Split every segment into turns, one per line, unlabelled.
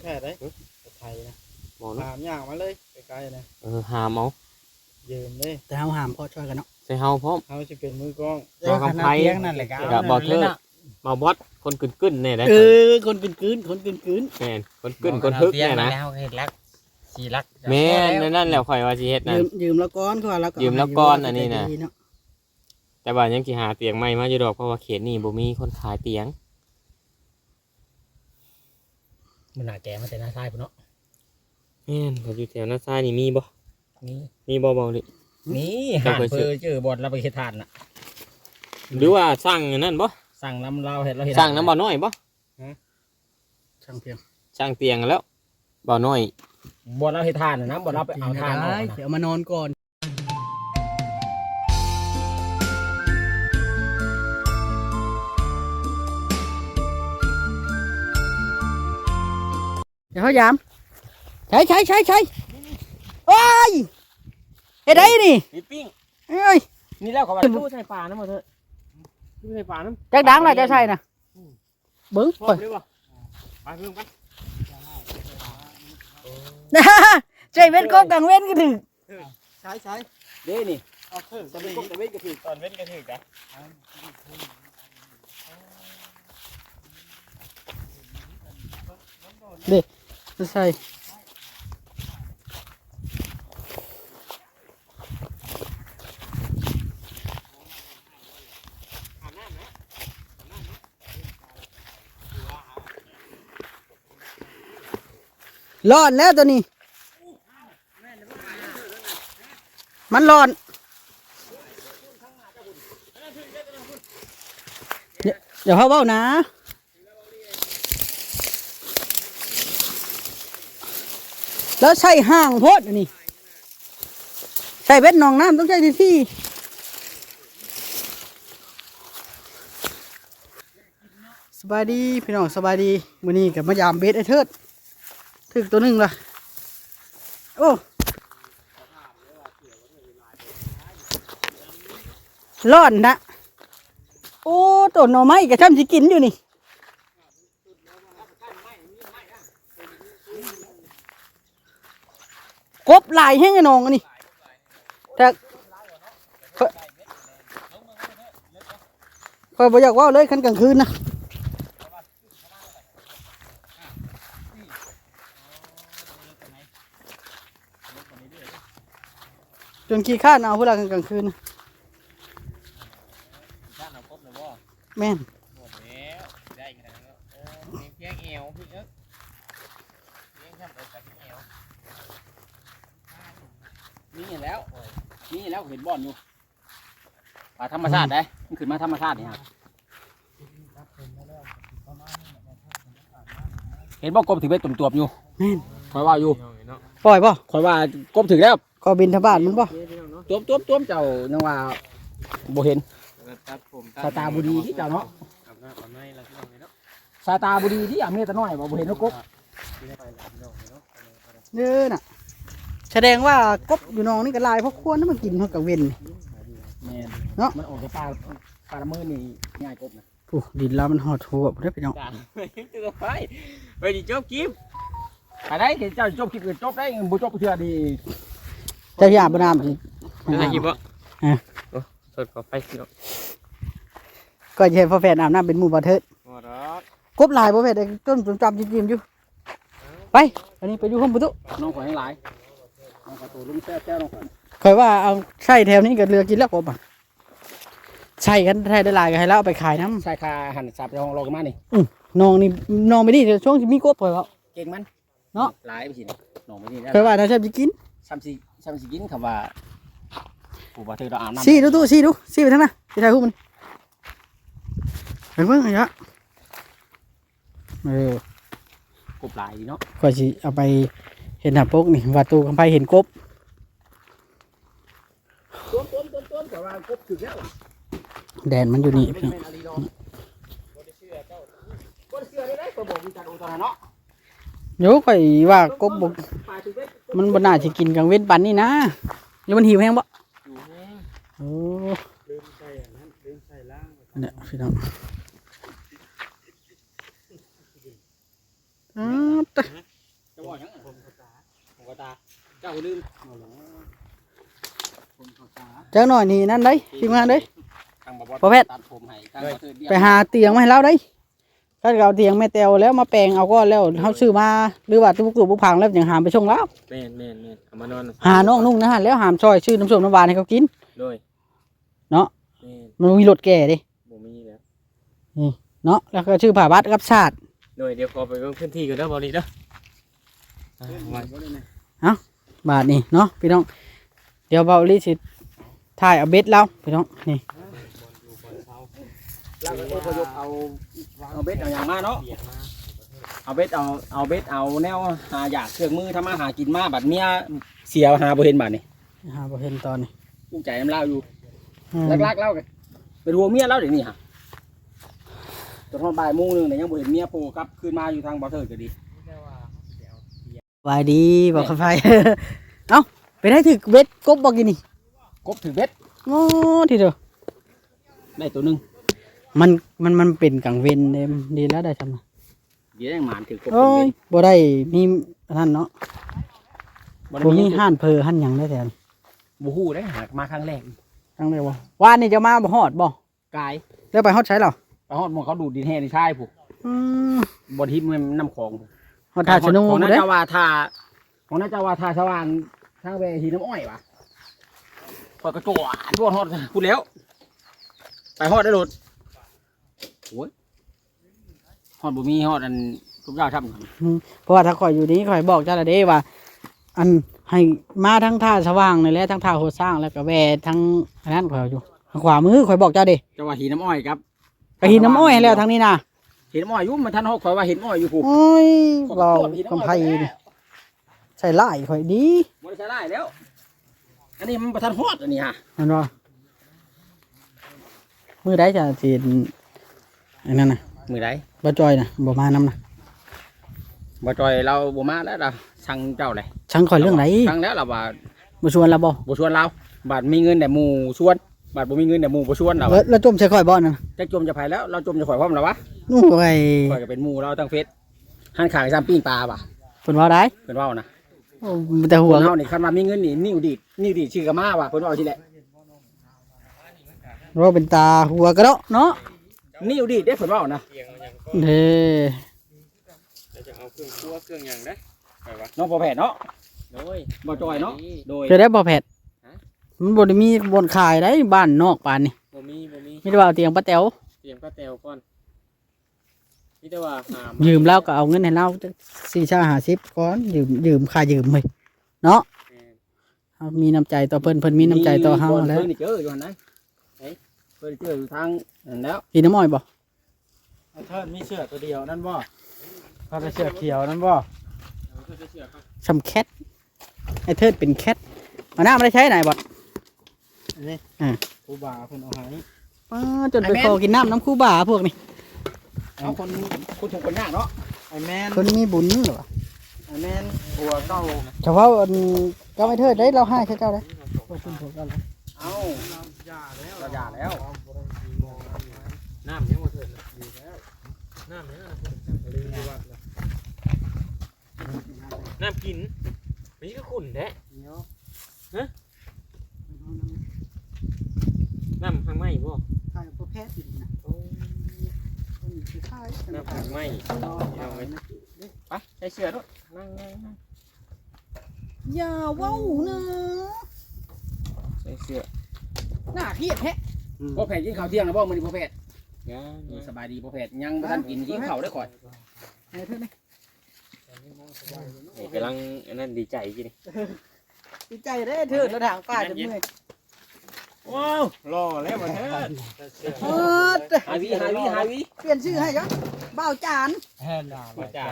แท้ได้ไทยนะหามย่างมาเลยไกลๆนะ
หามเอา
ยืมเลย
แต่เฮาหามพ่อช่วยกันเนาะ
ใส่เฮาพร้อม
เฮาสิเป็นมือกล้อง
บ่กำไผ
นั่นแหละ
กับบ่เทิดมาบอสคนกึ่นๆนี่ได้
คนกึ่น
แม่นคนกึ่นคนทึกนี่นะ
แล้วเฮ็ดลักสีลัก
แม่นนั่นแหละข่อยว่าสิเฮ็ดนั่น
ยืมแล้วก้อนเขาว่าแล้วก็
ยืมแล้วก้อนอันนี้น่ะแต่ว่ายังสิหาเตียงใหม่มาอยู่ดอกเพราะว่าเขตนี้บ่มีคนขายเตียง
มันน่าแก่มาแต่หน้าซ้ายพุ่นเนาะ
แม่นอยู่แถวหน้าซ้ายนี่มีบ่
มี
บ่เบาดิ
มีหาเพิ่นเจอบ่อนเราไปเฮ็ดทานน่ะ
หรือว่าสั่งนั่นบ่
สั่งน้ำเราเฮ็ดเราเฮ็ด
สั่งน้ำบ่น้อยบ่
ช่างเพียง
สั่งเตียงแล้วบ่น้อย
บ่อนเราเฮ็ดทานน่ะนะบ่อนเราไปเอาทาน
เดี๋ยวมานอนก่อนเดี๋ยวเขายามใช่โอ้ยเฮ็ดได้นี่
ปิ้ง
เอ้ย
นี่แล้วเขาว่าตู้ใส่ปลานะบ่เถอะ
ตู้ใส่ปลาน้
ำจักดังเลยจะใช่น่ะบึ้ง
ไปเลยบ่ไปเพิ่งไป
ใจเว้นกบกลางเว้นก็ถึง
ใช้
เด้นี่
เอาเพิ่ม
จะเป็นกบแต่เว้นก็ถือตอนเว้นก็ถือจ้ะ
เด็กใช่ร้อนแล้วตัวนี้มันร้อนเดี๋ยวเขาเบ้านะแล้วใส่ห่างโพดนี่ใส่เบ็ดหนองน้ำต้องใช้ที่สบายดีพี่น้องสบายดีมื้อนี้กับมายามเบ็ดไอ้เทิดถึกตัวหนึ่งละโอ้ร้อนนะโอ้ต้นหน่อไม้กระช่ำสิกินอยู่นี่กบลายแห้งไอ้น้องอันนี้แต่คอยบอกอยากว่าเลยคันกลางคืนนะจนขี้ข้านเอาเวลากลางคืนนะแม่น
ได้ขนาดนั้นเพียงเอวพี่เอ๊ะเพียงทำเอากับเอวนี่แล้วเห็นบ่อนอยู่ป่าธรรมชาติได้มันขึ้นมาธรรมชาตินี่ฮะเห็นบ่กบถึงไปตุ่มๆอยู่คอยว่าอยู่
ปล่อยป่ะ
คอยว่ากบถึงแล้ว
ก็บินทบาทมันป่ะ
ต้มเจ้านึกว่าบ่เห็นสายตาบุดีที่เจ้าเนาะสายตาบุดีที่เมตน้อยบ่เห็นนกกบ
เด้อน่ะแสดงว่ากบอยู่น้องนี่ก็ลายเพราะควรนั่นมันกินเท่ากับเว้น
เนาะมันออกจากปลาละมือนี่ง่ายกบนะ
โอ้ดินแล้วมันหอดหัวได้ไปน้อง
ไปดิจบคลิปไปได้เจ้าจบคลิปจบได้บุจบเถื่อดี
จะหยาบน้ำสิ
ได้คลิปบ่สดขอไฟสิลูก
ก็จะเห็นพ่อแฟนอาบน้ำเป็นหมู่บ่เถิดกบลายพ่อแฟนต้นจำจิ้มอยู่ไปอันนี้ไปดูห้องประตู
น้องขอให้หลายน้องขอตัวลุงแซ่น้องขอ
เคยว่าเอาไส้แถวนี้กับเรือกินแล้วกบอ่ะใช่กันไทยได้ลายกันให้แล้วเอาไปขายน้ำ
ใช่ค่ะหั่นสับในห้องรอกันมานี่
น้องนี่น้องไม่ดีช่วงที่มีกบเคยว่า
เก่งมัน
เนาะ
หลายไปสิน้องไม่ดี
เคยว่าถ้าชอบจะกิน
ซ้ำสิกินคำว่าผู้บ่เธอเราอาบน้ำ
ซี่ดูไปทั้งนั้นไปถ่ายรูปมันเห็นเพิ่งไงฮะ
กบหลายเนาะ
ก็สิเอาไปเห็นหน้าปกนี่วัดตูคำไพเห็นกบ
แต่ว่ากบถึงแล้ว
แดนมันอยู่นี่พี่โยกข่อยว่ากบบกมันบนหน้าจะกินกลางเว้นปันนี่นะแล้วมันหิวแห้งบ่โอ้เนี่ยพี่น้อง
เจ้าลืม
จังหน่อยนี่นั่นได้ทีมงานเด้
ทางบ่
พ่อแพทย์
ตัดผมให้ทางบ่เทิดเรียก
ไปหาเตียงมาให้เราได้ถ้าเอาเตียงแม่แตวแล้วมาแปลงเอาก็แล้วเฮาซื้อมาหรือว่าตุกๆบุกพังแล้วยังหามไปส่งแล้ว
แม่นเอามานอน
หาน้องนุ่งนะฮะแล้วหามซอยชื่อน้ำส้มน้ำหวานให้เขากิน
โดย
เนาะ
แม่น
มันมีรถแก่ดิ
บ่มีแล้ว
เนาะแล้วก็ชื่อผ่าบัตรกับชาติ
โดยเดี๋ยวขอไปเบิ่งพื้นที่ก่อนเด้อบ่นี่เด้อไว้
บาทนี่เนาะพี่น้องเดี๋ยวเบาลิสิถ่ายเอาเบ็ดเราพี่น้องนี่
แล้วก็พยกเอาเบ็ดเอาอย่างมาเนาะเอาเบ็ดเอาแนวหาอยากเครื่องมือทำมาหากินมาบัดเมียเสียหาบ่เห็นบัดนี่
หาบ่เห็นตอนนี้
กูใจน้ำเล่าอยู่
อืม
ลักๆเล่ากันเป็นหัวเมียเล่าเดี๋ยวนี้ฮะจนทอดบ่ายโมงนึงเนี่ยยังบ่เห็นเมียโผล่กลับคืนมาอยู่ทางบ่อเถิดก็ดี
สบายดีบอกเขาไป เอ้าไปได้ถึกเบ็ดกบบอกกินนี่
กบถือเบ็ด
โอ้ทีเดียว
ได้ตัวหนึง
มันเป็นกังเวนเด้ดีแล้วได้ทำนะ
เดี๋ยวยังหมานถือกบถื
โอ้
อเบ็
ย
ด
บ่ได้มีท่านเนาะ
บ่ได้
บ่มี
มี
ห้านเพอห้านหยังได้แทน
บ่ฮู้ได้หากมาครั้งแรก
ทั้งเลยบ่ว่านนี่จะมาบ่ฮอดบ่
กาย
แล้วไปฮอดใช้เหรอ
ไปฮอดหมองเขาดูดดินแห่ในชายผู้
อืม
บ่ทิพย์มันน้ำของผู้
ฮอดท่าชะนู
ของน่า
เด้
จะว่าท่าของน่าจะว่าท่าสว่างทางเวทีน้ำอ้อยว่ะพอยกระโจนพวกฮอดพูดแล้ว ไปฮอดได้รถโอ้ยฮอดบ่มีฮอดอันทุกอย่างทำ
เพราะว่าถ้าข่อยอยู่นี้ข่อยบอกเจ้าละเด้ว่า อันให้มาทั้งท่าสว่างนี่แหละทั้งท่าโหดสร้างแล้วก็แวทั้งอันนั้นข่อยอยู่ทางขวามือข่อยบอกเจ้าเด้
จะว่าหินน้ำอ้อยครับ
ไปหินน้ำอ้อยให้แล้วทางนี้นะ
เห็นอ้อยอยู่มันทันหกข่อยว่าเห็นอ้อยอยู่ผู้
โอ้ยเรากำไพนี่ใส่ไล่ข่อยดี
บ่ได้ใช้ได้แล้ว อันนี้มันประทันฮอดอันนี้ฮะ
มันว่ามือได้จะจีนอันนั้นนะ
มือใด
บ่จอยนะบ่มานำนะ
บ่จอยเราบ่มาแล้วเราสั่งเจ้าเลย
ช่างข่อยเรื่องไหน
สั่งแล้วเราว่า
บ่ชวนเราบ่
บ่ชวนเราบาดมีเงินแต่หมู่ชวนบาดบ่มีเงินแต่หมู่บ่ชวนเรา
แล้วจมใส่ข่อยบ่นั่นน่ะ
จะจมจะไผแล้วเราจมจะข่อยพร้อมแล้ววะ
โอ้ย
ข่อยก็เป็นหมู่เราตั้งเฟซหันขางซ้ำปิ้งปลาป่ะ
เพิ่นว่าได้
เพิ่นเว้านะ
โอ้แต่หั
หั
ว
วเฮานี่คันว่ามีเงินนี่นิ้วดีดชื่อกะมาว่ะเพิ่นเว้าทีแหละ
เราเป็นตาหัวกระเดาะเนาะ
นิ้วดีดเด้เพิ่นเว้านะ
เตียงมันยังก็
เด้
แล้วจะเอาเครื่องครัวเครื่องหยังได้ไปวะ
น้องบ่แผดเนาะ
โดย
บ่จอยเนาะโดย
จะได้บ่แผดมันบ่ได้มีบนขายได้บ้านนอกปานนี่
บ่มี
มีแต่ว่าเอาเตียงป้าแต๋ว
เตรียมก็แตวก่อนมีแต่ว่าหาม
ยืมแล้วก็เอาเงินให้เรา4-50ก่อนยืมค่ายืมเลยเนาะ
แม่น
เฮามีน้ำใจต่อเพิ่นมีน้ำใจต่อเฮาแล้ว
เพิ่นนี่เจออยู่หั่นไหนเฮ้ยเพิ่นเจออยู่ทางนั่นแล้ว
กินน้ำอ้อยบ่
ไอ้เทิดมีเสื้อตัวเดียวนั่นบ่เขาจะเสื้อเขียวนั่นบ่
เอาเสื้อเชือกครับ
สำแคทไอ้เทิดเป็นแคทมาหน้าไม่ได้ใช้ไหนบ่
อันนี้ครูบาเพิ่นเอาให้
จนไปขอกินน้ำคู่บ่าพวกนี้
เอาคนถูกคนยากเนาะ
ไอ้แมน
คนมีบุญเหรอ
ไอ้แมนหัวเก้า
เฉพาะเจ้าไอ้เทิดได้เราให้ใช่เจ้าได้ขอบคุณผมกันเลย
เอา
ย่าแล้ว
เราหย่าแล้ว
น้ำยังบ่เถิดเลยน้ำยังน้ำกินมีก็ขุ่นแท้น้ำข้างไม้บ่
ใช่พวกแพทย์อยู่นะ
โอ้น้ำข้างไม้เอาไว้
ไปใส่เสื้อด้วย
นั่ง
อย่าว้าวนะ
ใส่เสื้อ
หน้าเครียดแท้
พ่อแพทย์กินข้าวเที่ยงนะบ่มื้อนี้พ่อแพทย์
ยัง
สบายดีพ่อแพทย์ยังบ่ทันกินข้าวได้ข่อย
ไอ้เทิดนี่
กำลังอันนั้นดีใจกี่นี่
ดีใจได้เทิดแล้วทางป้าจะเมื่อย
ว้าวรอแล้วบ่เถิดหาวิ
เปลี่ยนชื่อให้จ้ะเบ้าจาน
แห่ด่าบ่จ่า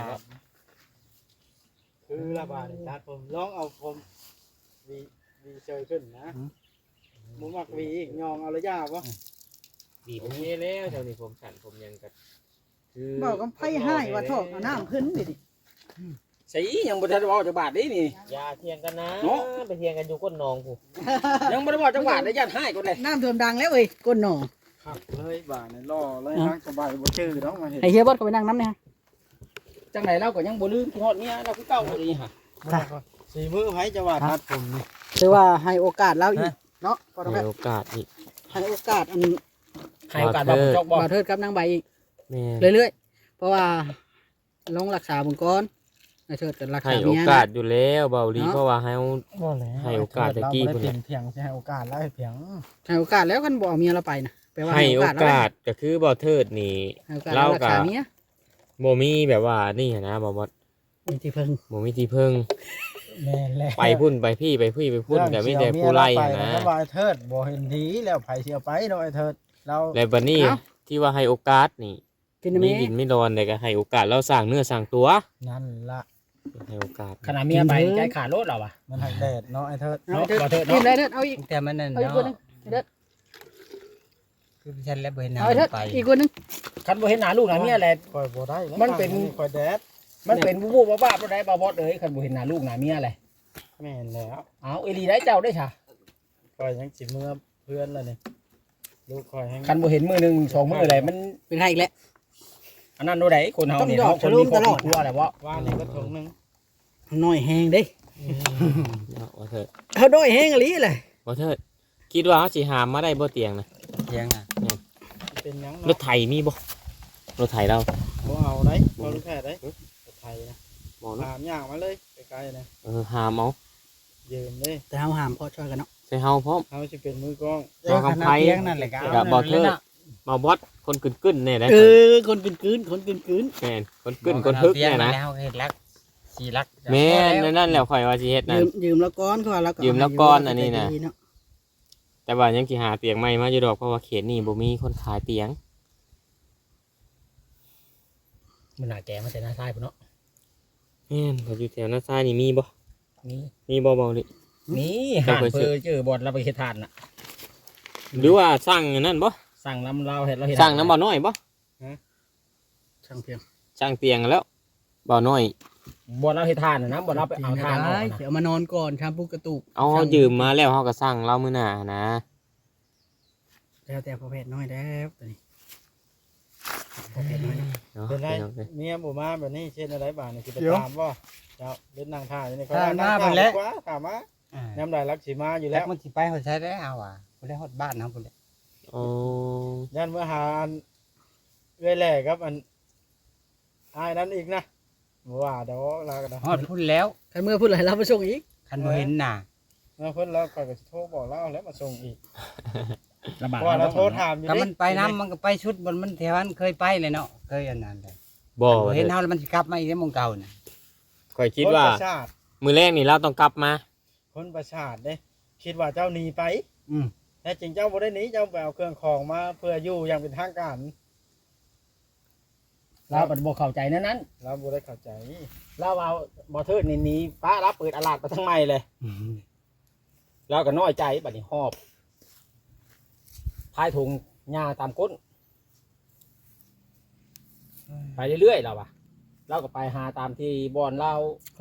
คือระบาดจัดผมลองเอาผมวีเชยขึ้นนะมุมักวีอีกยองเอาระยะบ่
ดีผมนี่แล้วเท่านี้ผมสั่นผมยังกัด
เบ้าก็ไพ่ให้ว่าทอกเอาน้ำขึ้นดิ
ใส่ยังบ่ทันเว้าจักบาทนี่นี่
อย่าเทียงกันนะ
เนาะ
ไปเทียงกันอยู่ก้นหนองผู้
ยังบ่ได้เว้าจักบาทได้ญาติให้ก่อนเลย
น้ำเทิมดังแล้วเอ้ยก้นหนอ
ขับเลยบ่าเนี่ยล่อเลยนั่งสบายบ่ชื่อดอกมาเห็น
ไอ้เฮียบอสก็ไปนั่งน้ำเนี่ย
จังไดเราก็ยังบ่ลืมที่ฮอดเมียเราคือเก่าเลยฮะ
สีมือไผจะว่าตัดผมนี่
คือว่าให้โอกาสเราอีกเนาะพอต้อง
ให้โอกาสอีก
ให้โอกาสอัน
ให้โอกาสบ่จกบ่
บ่าวเทิดกับนางใบอีก
แม่น
เรื่อยๆเพราะว่าลงรักษาบุญก้อนไอ้เทิดกันรัก
ให้
ษา
โอ
เมีย
กา
นะ
สอยู่แล้วเบาลี
เนาะ
เพราะว่าให้
บ่แล้ว
ให้โอกาสตะกี้
เรา
พุ่น
บ่
น่ะ
ได้เป็นเพียงสิให้โอกาสแล้วให้เพียง
ให้โอกาสแล้วกันบ่เอาเมียเราไปนะแปลว่า
ให้โอ
แล้ว
กาสก็คือบ่เทิดนี่
ให้โอกาสเรารักษาเมีย
บ่มีแบบว่านี่หั้นนะบ่บ่
มีที่พึ่ง
บ่มีที่พึ่ง
แม่นแล้ว
ไปพุ่นไปพี่ไปพี่ไปพุ่นก็มีแต่ผู้ไล่หั้นนะ
แล้วว่าไอ้เทิดบ่เห็นดีแล้วไผสิเอาไปเนาะไอ้เทิดเรา
แล้วบัดนี้ที่ว่าให้โอกาสนี่
กินได้ไหม
มีดินไม่ดอนแต่ก็ให้โอกาสเราสร้างเนื้อสร้างตัว
นั่นละ
ให้โอกาส
ขนาดเมียไปใจขาดรถเราอ่ะ
มันหักแดดเนาะไอ้เทิด
เอาเทิด
บ่เทิดเนาะ
กินได้เทิดเอาอีก
แต่มันนั่น
เอาอีกคนหนึง
เนาะ
เทิด
คือฉันแล้วบ่เห็นหน้า
เอาไอ้เทิด
ไป
อีกคนหนึง
คันบ่เห็นหน้าลูกหน้าเมียแหละ
คอยบ่ได้แล้ว
มันเป็น
คอยแดด
มันเป็นบูบูบ้าๆบ่ได้บ่บอดเอ้ยคันบ่เห็นหน้าลูกหน้าเมียแหละ
แม่นแล้ว
เอาอีหลีได้เจ้าได้ค่ะ
คอยยังสิเมื่อเพื่อนแล้วนี่ลูกคอยให้
คันบ่เห็นมือหนึงสองมืออะไรมัน
เป็นใครอีกแล้ว
อันนั้นโดได้คนเฮานี่
ต้อง
เฮา
ดอก
คนมีครอบ
ตลอด
ครัวแหละบ่
ว่านี่ก็ถุงหนึง
น้อยแหงเด้
เอาว่าเถิด
เขาน้อยแหงอะไรเลย
ว่าเถิดคิดว่าเขาสิหามมาได้บ่เตียงนะ
เถียงอ่ะ
เป็นหยัง
ร
เนาะ
ถไถมีบ่รถไถเรา
บ่เอาได้บ่รู้แค่ได้ไทยนะ
บ่เนาะ
ถามอย่างมาเลยไกลๆนะ
หามเอา
ยืมเลย
แต่เขาหามพ่อช่วยกันเนาะ
ใส่เฮาพร้อม
เขาจะเป็นมือกล้อง
บ่กำไผ
เถียงนั่นแหละก็
กับบ่เทิดมาบอสคนกึ่นๆเนี่ยได้
เออคนกืนคนกืน
แม่นคนกึ่นคนฮึกเนี่ยนะ
แล้วเฮ็ดรักสิรัก
แม่นนั่นแหละข่อยว่าสิเฮ็ดนั่น
ยืมแล้วก้อนเขาว่าแล้วก็
ยืมแล้วก้อนอันนี้น่ะ
ดีเา
แต่ว่ายังสิหาเตียงใหม่มาอยู่ดอกเพราะว่าเขตนี่บ่มีคนขายเตียง
มันน่าแก่มาแต่หน้าซ้ายพุ่นเนาะ
แม่นเขาอยู่แถวหน้าซ้ายนี่มีบ่
มี
มีบ่เบาลิ
มี
เจ้า
หา
เคยซื้
เพื่
อ
อเจอบอลเราไปเฮ็ดทานน่ะ
หรือว่าสร้างอันนั่นบ่
สั่งน้ำเราเฮ็ดเราเฮ็ด
สร้างน้ำบ่น้อยบ่
ช่างเพียง
สร้างเตียงแล้วบ่น้อย
บอลเราเฮ็ดทานน่ะนะบอลเราไปเอาทานออก
ได้
น่ะ
เดี๋ยวมานอนก่อนชามปุกกระตุก
เอาเฮายืมมาแล้วเฮาก็สร้างเรามื้อหน้านะ
แล้วแต่พ่อแพทย์น้อยแล้วตัวนี้พ่อแพทย์น้อย
เนาะ
เป็นไร
พี่น้องเอ้ย
เมียบ่มาแบบนี้เช่นอะไรบ้างนี่คือไปตามบ่เจ้าเล่นนางท่าอยู่นี่เขา
ถ้า
ว่า
มา
นั่ง
เพิ่น
ท่า
แล้
ดี
ว
กว่าถามมา
อ่า
น้ำลายรักสีมาอยู่
แล้
แล้ว ว
มันสิไปเฮาใช้ได้เอาอ่ะบ่ได้ฮอดบ้านเฮาพุ่นแหละ
อ๋อ
ยันเมื่อหาอันเรื่อยแหล่ครับอันอายนั้นอีกนะบ่ว่าเดี๋ยวลากันนะ
ฮอดพุ่นแล้ว
ใครเมื่อพูดอะไรเราไปส่งอีก
คันบ่เห็นหน้า
เมื่อเพิ่นเราก็จะโทรบอกเราแล้วมาส่งอีก
ลำบาก
เพราะว่าเราโทรถามอยู่
ก็
ดิ
มันไปน้ำมันก็ไปชุดบนมันแถวนั้นเคยไปเลยเนาะเคยอันนั้นเลย
บ่
เห็นเฮาแล้วมันสิกลับมาอีกในหมองเก่าน่ะ
ข่อยคิดว่า
คนประชาติ
มื้อแรกนี่เราต้องกลับมา
คนประชาติเด้คิดว่าเจ้าหนีไป
อืม
แต่จริงเจ้าบ่ได้หนีเจ้าไปเอาเครื่องของมาเพื่ออยู่อย่างเป็นทางการ
เราบัดบ่เข้าใจนั้น
เราบ่ได้เข้าใจ
เราเอาบ่เทิดนี่หนีป้ารับเปิดอาลาดไปทั้งใหม่เลยเราก็น้อยใจบัดนี้หอบพายถุงหญ้าตามก้นไปเรื่อยๆเราอะเราก็ไปหาตามที่บอนเรา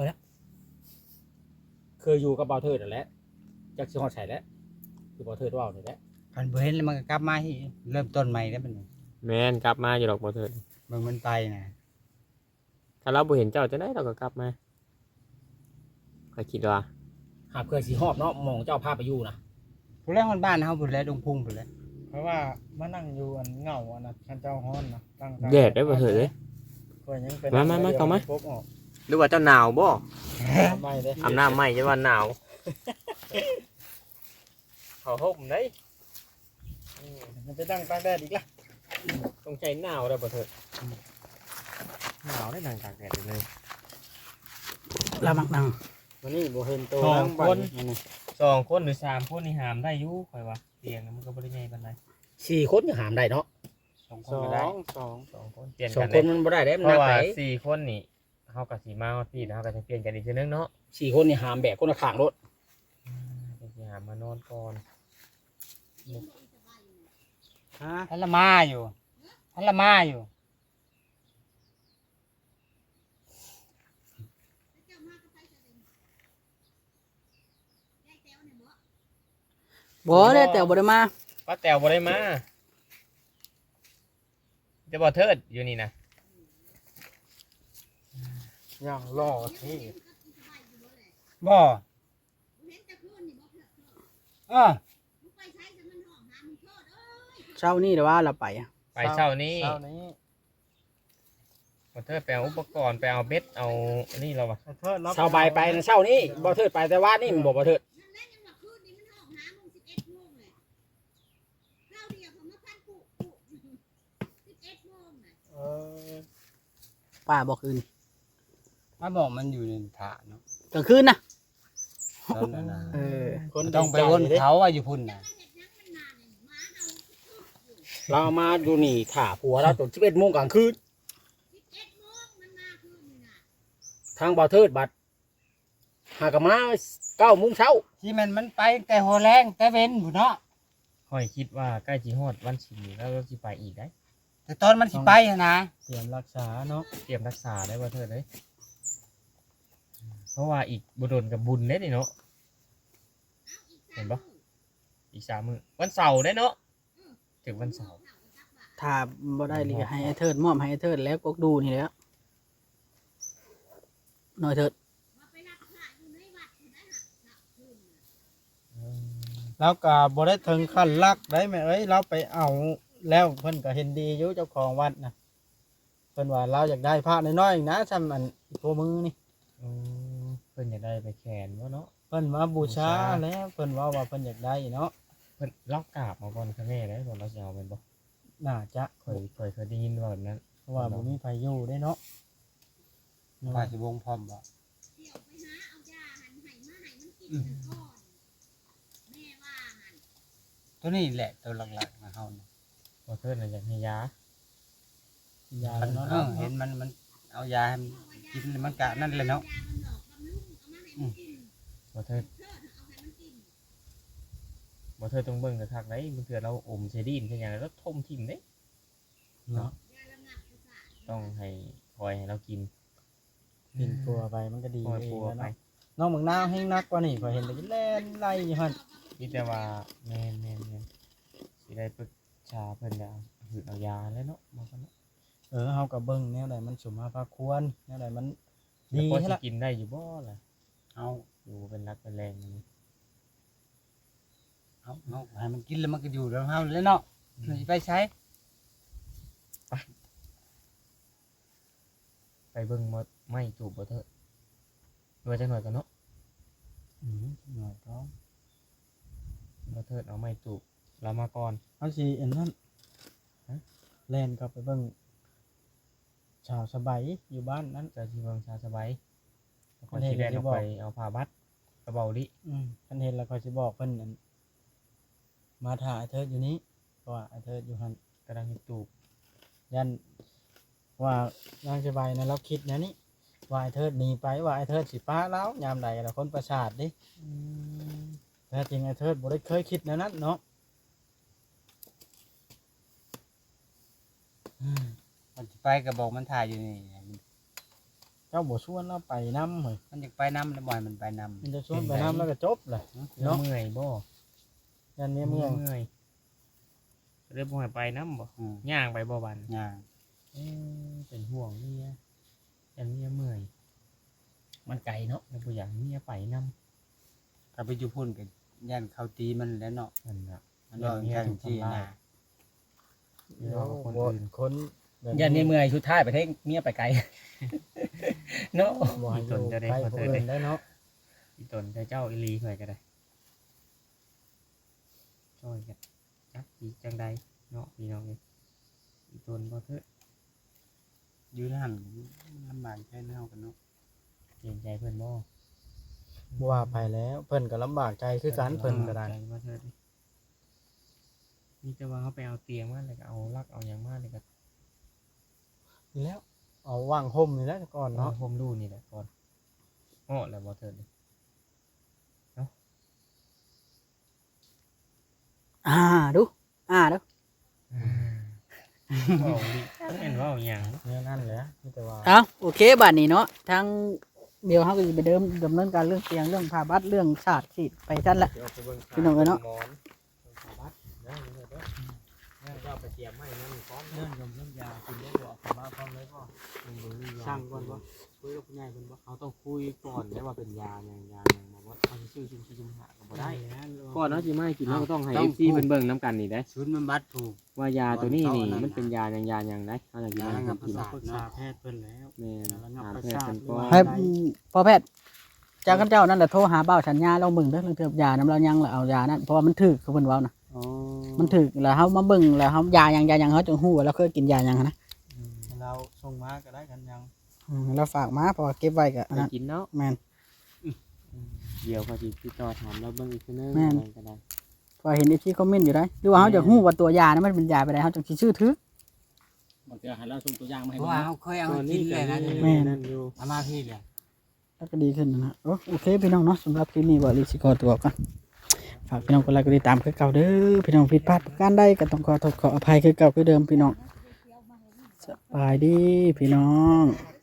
เคยอยู่กับบ่าวเทิดนั่นแหละจักสิฮอดใส่แล้วคือบ่าวเทิดเว้านี่แหละ
คันบ่เห็นแล้วมันก็กลับมาอีกเริ่มต้นใหม่แล้วมัน
แม่นกลับมาอยู่ดอกบ่เถิด
เบิ่งมันไปน่ะ
ถ้าเราบ่เห็นเจ้าจะได้เราก็กลับมาข่อยคิดว่า
หาเพื่อสิฮอบเนาะหมองเจ้าพาไปอยู่นะ
พุ่นแล้วมันบ้านเฮาพุ่นแล้วดงพุ่งพุ่นแล้ว
เพราะว่ามานั่งอยู่อันเหงาอันนั้นคันเจ้าฮ้อนนะตั้ง
แดดได้บ่เถิดเด้
ก็ยังเป็น
มาเข้ามา
พบออก
หรือว่าเจ้าหนาวบ่
ทำไมเด้
อาบน้ำใหม่จะว่าหนาวเขาห่มได้
มันไปตั้งตากแดดอีกละ
ต้องใจหนาวแล้วบ่เถิดหนาวได้นั่งตากแดดอยู่เลย
เรามักนั่ง
วันนี้บ่เห็นตัว
สอง
นั่งบ้า
คน
นี่
2 คนหรือ 3 คนนี่หามได้อยู่ข่อยว่าเตียงมันก็บ่ได้ใหญ่ปานใด
4 คนยังหามได้เนาะ
สองค
ส
น
อ
ก็ได้
งสอง
2 คนเปลี่ยน
สอ
กั
ง
น
ค
ได้
นมันบ่ได้เด้มัน
เพ
หนัก
ราะว่า
ไป
4 คนนี่เฮาก็สิมาพี่เฮาก็จะเปลี่ยนกันอีกทีนึงเนาะ
4 คนนี่หามแบกคนละข้างรถ
จะสิหามานอนก่อน
ฮะ
ท่านละมาอยู่ท่านละมาอยู่
บ่ได้แต่บ่ได้มา
ป้าแต๋วบ่ได้มาจะบ่เทิดอยู่นี่นะ
อย่างหล่อที่
บ่เออ
เช้านี้แต่ว่าเราไปอะ
ไปเช้านี้
เช้านี้
บ่เทิดไปเอาอุปกรณ์ไปเอาเบ็ดเอาอันนี้เราว่ะ
เทิดรับ
เช้าบ่ายไปนะเช้านี้บ่เทิดไปแต่ว่านี่มันบ่เทิด
เออ
ป้าบอกคืน
มาบอกมันอยู่ในถาเนาะ
กลางคืนนะ
ตอนนั้นน่ะ
เออ
คน
ต้องไปวนเขาว่าอยู่พุ่นน่ะ
เราเอามาดูนี่ถ่าผัวเราจน11 โมงกลางคืนทางบ่เทิดบัดหากนมา9 โมงเช้า
ที่มันไปแต่หัวแรงแต่เว้นพุ่นเนาะ
ค่อยคิดว่าใกล้สิฮอดวันศิลป์แล้วเราสิไปอีกได้
แต่ตอนมันสิไปหั้นนะ
เตรียมรักษาเนาะ
เตรียมรักษาได้บ่เทิดเด้ยเพราะว่าอีกบ่โดนกับบุญเด้นี่เนาะเห็นบ่อีก3 มื้อวันเสาร์ได้เนาะถึงวันเสาร์
ถ้าบ่ได้เลยให้ไอ้เทิดมอบให้ไอ้เทิดแล้วก็ดูนี่แหล้วหน่อยเถิด
แล้วก็บ่ได้ถึงขั้นลักได้ไหมเอ้ยเราไปเอาแล้วเพิ่นก็เห็นดีอยู่เจ้าของวัดนะเพิ่นว่าเราอยากได้พระน้อยๆนะซ้ำอันตัวมือนี่
เพิ่นอยากได้ไปแขวนบ่เนาะ
เพิ่นมาบูชาแล้วเพิ่นว่าเพิ่นอยากได้เนาะ
เพิ่นล็อกกราบมาก่อนค่ะแม่ได้บ่เราสิเอาเป็นบ่
น่าจะ
เคยได้ยินว่าแบบนั้น
เพราะว่าบ่มีไผอยู่ได้เนาะ
ว่าสิวงพร้อมบ่ตัวนี้แหละตัวหลักๆนะเฮาเนี่ย
บ่เทิดน่ะอยากให้ยาย
า
มัน
เนาะ
เห็นมันเอายาให้มันกินแล้วมันกะนั่นเลยเนาะ
บ่เทิดต้องเบิ่งกระทักได้มันเถื่อเราอมใส่ดินใส่หยังแล้วทมทิ่มเด้
เนาะ
ต้องให้คอยให้เรากิน
กินปัวไปมันก็ดี
คอย
เอ
ปั
ง
ว
แล้ว
ไป
เนาะน้องเมืองนาวแห้งนักกว่านี่ข่อยเห็นแต่แล่นไล่อยู่หั่น
มีแต่ว่าแม่นสิได้ปรึกษาเพิ่นแล้วหืดเอายาแล้วเนาะบ่กันเนาะ
เฮาก็เบิ่งแนวใดมันสมมาพาควรแนวใดมัน
ดี
ดี
พอ
ให้
สิ
ละ
กินได้อยู่บ่ล่ะ
เอา
อยู่เป็นรักเป็นแรงอย่างนี้
เอาให้มันกินแล้วมันก็อยู่แล้วเฮาเลยเนาะมันสิไปใช้
ไปเบิ่งบ่ไม่จูบบ่เถิดว่าจังหน่อยกันเนาะ
หน่อยก็
บ่เถิดเอาไม่จูบเรามาก่อน
เอาสิอันนั้นแล่นกลับไปเบิ่งชาวสบายอยู่บ้านนั้น
จะสิเบิ่งชาสบายแล้วก็
เห็น
สิแล่น
ที่
ออก
บอก
ไปเอาผ้าบัดกระเป๋าดิ
คันเห็นแล้วข่อยสิบอกเพิ่นนั่นมาถ่าไอ้เทิดอยู่นี้เพราะว่าไอ้เทิดอยู่หั่น
กำลังจูบ
ยันว่านางสบายนะเราคิดนะนี่ว่าไอ้เทิดหนีไปว่าไอ้เทิดสิป้าแล้วยามใดแล้วคนประสาทดิแต่จริงไอ้เทิดบ่ได้เคยคิดแนวนั้นเนาะ
มันสิไปก็บอกมันถ่ายอยู่นี่
เจ้าบ่ชวนเราไปนำเฮ้ย
มันอยากไปนำแล้วบ่ให้มันไปนำ
มันจะชวนไปนำแล้วก็จบเลย
เนาะเมื่อยบ่
ยันเนี้ยเมือง
เมื่อยเริ่มบ่ให้ไปนำบ่
อืม
ย่างไปบ่บัน
ย่าง
เป็นห่วงเมียยันเมียเมื่อย
มันไกลเนาะ
แล้วบ่อยากให้เมียไปนำ
ถ้าไปอยู่พุ่นก็ย่านเขาตีมันแล้วเนาะ
นั่นน่ะ
มันว่าแข่งที่นะ
เดี๋ยวเอาคนอื่น
คนแบบ
ยันนี่เมื่อยชุดท้ายไปเทงเมียไปไกล เนาะ
บ่ให้อยู่ใกล้ผู้อื่นได้เนาะ
อีตนแต่เจ้าอีหลีข่อยก็ได้ช่วยกันจักอีจังใดเนาะพี่น้องเอ้ยอีตนบ่เถิด
อยู่นั่นลำบากแค่เฮากันเนาะ
เกรงใจเพิ่นบ่
บ่ว่าไปแล้วเพิ่นก็ลำบากใจคือกันเพิ่นก็ได้
ใจบ่เถิดมีแต่ว่าเขาไปเอาเตียงมาแล้วก็เอาลักเอาหยังมาแล้วก็
นี่แล้วเอาว่างห่มนี่แหล้วก่อน
เนาะ
เนาะ
ผมดูนี่แหละก่อนอ้อแล้วบ่เถิดเลย
ดูดู
เว้าดิเห็นเว่าหยัง
เนี่ยนั่นแหละมีแต่ว่า
เอาโอเคบัดนี้เนาะทั้งเดี๋ยวเขาก็จะไปดำเนินการเรื่องเตียงเรื่องผ่าบัดเรื่องศาสตร์สิไปชั้นละ
เดี๋ยวไปเบิ่ง
พี่น้องเอ้ยเนาะ
หมอนสาบัดเด้อเด้อเด้อแล้วก็เอาไปเตรียมไม้นั่นพร้อม
เรื่องยมเรื่องยากินได้บ่เอามาพร้อมเลยบ่
มันบ่มียา
ช่างก่อนบ่
ชคุยกับผู้ใหญ่เพิ่นบ่เขาต้องคุยก่อนได้ว่าเป็นยาอย่างบอกว่าเขาสิซื้อชุมชีชุมหาก็บ่ได้ก่อนเนาะสิมาให้กินเราก็ต้องให้ FC เพิ่นเบิ่งนํกันนี่ได้
ชุดมันบัดถูก
ว่ายาตัวนี้นี่มันเป็นยาอย่างได้เฮาอยากกินมันกิน
ปรึกษาแพทย์เพิ่นแล้ว
แม่น
ระงับ
ถาม
ประ
แพทย์
สาท
เพิ่น
หรือ
ก่อ
ว่า
น
ให้พอแพทย์จากข้าเจ้านั่นแหละโทรหาเบ้าสัญญาเราเบิ่งเด้อเรื่องเกี่ยวกับยาน้ำเรายังแล้วเอายานั่นเพราะว่ามันถึกคือเพิ่นเว้านะ
อ๋อ
มันถึกแล้วเฮามาเบิ่งแล้วเฮายาหยังเฮาจึงฮู้ว่าเราเคยกินยาหยังนะ
เราส่งมาก็ได้กันยัง
เราฝากมาเพราะว่าเก็บไว้ก็อัน
ได้
นั้น
กินเนาะ
แม่น
เดี๋ยวเขาสิติดต่อถามเราเบิ่งอีกทีนึง
แม่น
อะไรก็ได้
พอเห็นไอ้ที่คอมเมนต์อยู่ได้หรือว่าเฮาจะฮู้ว่าตัวยานั้นมันเป็นยาไปได้เฮาจึงสิชื่อถือบ
างทีให้เราส่งตัวอย่างมา
เพ
ให้
ราะ
เบิ่ง
ว่า
เนาะ
เขาเคยเอามากินเลยนะ
แม่
นั่นอยู่
เอามาพี่เลย
แล้วก็ดีขึ้นนะโอเคพี่น้องเนาะสำหรับคลิปนี้บ่รีสิขอตัวก่อนฝากพี่น้องกดไลค์กดติดตามคือเก่าเด้อพี่น้องผิดพลาดประการใดก็ต้องขอโทษขออภัยคือเก่าคือเดิมพี่น้องสบายดีพี่น้อง